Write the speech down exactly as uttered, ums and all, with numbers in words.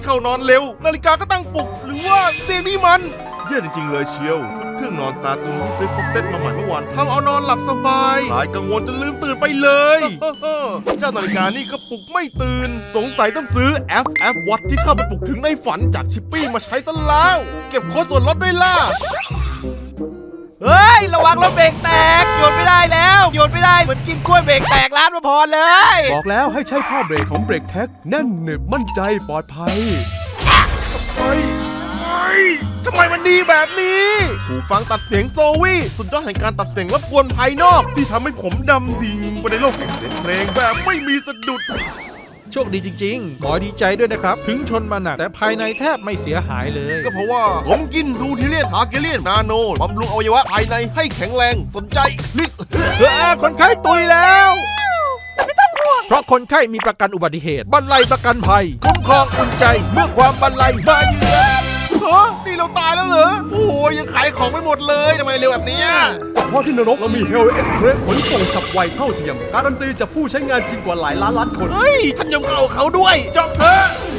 เข้านอนเร็วนาฬิกาก็ตั้งปลุกหรือว่าเตียงนี่มันเยี่ยจริงๆเลยเชียวชุดเครื่องนอนซาตุนที่ซื้อครบเซ็ตมาใหม่เมื่อวานทำเอานอนหลับสบายหายกังวลจนลืมตื่นไปเลยเจ้านาฬิกานี่ก็ปลุกไม่ตื่นสงสัยต้องซื้อ เอฟ เอฟ Watch ที่เข้าไปปลุกถึงในฝันจากชิปปี้มาใช้ซะแล้วเก็บโค้ดส่วนลดด้วยล่ะเฮ้ยระวังรถเบรกแตกหยุดไม่ได้แล้วหยุดไม่ได้เหมือนกินกล้วยเบรกแตกร้านมาพรเลยบอกแล้วให้ใช้ผ้าเบรกของเบรกแท็กแน่นหนึบมั่นใจปลอดภัยเฮ้ยเฮ้ยทำไมมันดีแบบนี้หูฟังตัดเสียงโซวี่สุดยอดแห่งการตัดเสียงรบกวนภายนอกที่ทำให้ผมดำดิ่งไปในโลกแห่งเสียงเพลงแบบไม่มีสะดุดโชคดีจริงๆขอดีใจด้วยนะครับถึงชนมาหนักแต่ภายในแทบไม่เสียหายเลยก็เพราะว่าผมกินดูทิเลียนฮาเกเลียนนาโนบำรุงอวัยวะภายในให้แข็งแรงสนใจคลิกเฮ้ยคนไข้ตุยแล้วไม่ต้องห่วงเพราะคนไข้มีประกันอุบัติเหตุบรรลัยประกันภัยคุ้มครองอุ่นใจเมื่อความบรรลัยมาเยือนเฮ้ยนี่เราตายแล้วเหรอโอ้ยยังขายของไม่หมดเลยทำไมเร็วแบบนี้เพราะที่นรกเรามี Hell Express ขนส่งฉับไวเท่าเทียมการันตีจากผู้ใช้งานจริงกว่าหลายล้านล้านคนเฮ้ยท่านยมเอาเขาด้วยจองเถอะ